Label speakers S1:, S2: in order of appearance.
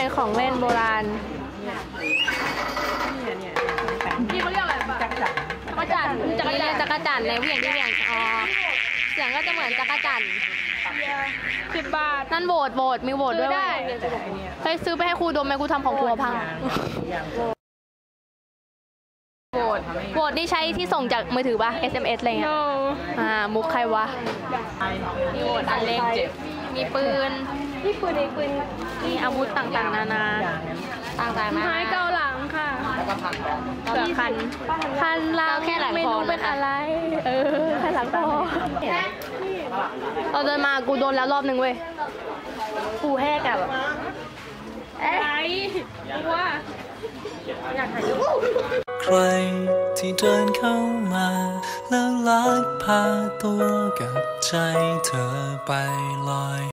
S1: เป็นของเล่นโบราณ
S2: พี่เขาเรียกอะไรปะจักรจั่น
S1: จักรจั่นในเวียงที่เวียงอ๋อเสียงก็จะเหมือนจักรจั่น
S2: 10 บาท
S1: นั่นโหวตมีโหวตด้วยเคยซื้อไปให้ครูดมไหมครูทำของครูพังโหวตนี่ใช้ที่ส่งจากมือถือปะ SMS อะไรเงี้ยมุกใครวะมีโหวตอันเล็กมีปืนมีอาวุธต่างๆนานาต่างๆนะ
S2: ไม้เกาหลังค่ะ
S1: เกือบคันเราแค่หลังคอเป็นอะไรแค่หลังคอเราเดินมากูโดนแล้วรอบนึงเว้ยกูแหกอะแบบ
S2: อะไรว่าอยากถ่ายรูป
S3: ใครที่เดินเข้ามาแล้วลักพาตัวกับใจเธอไปลอย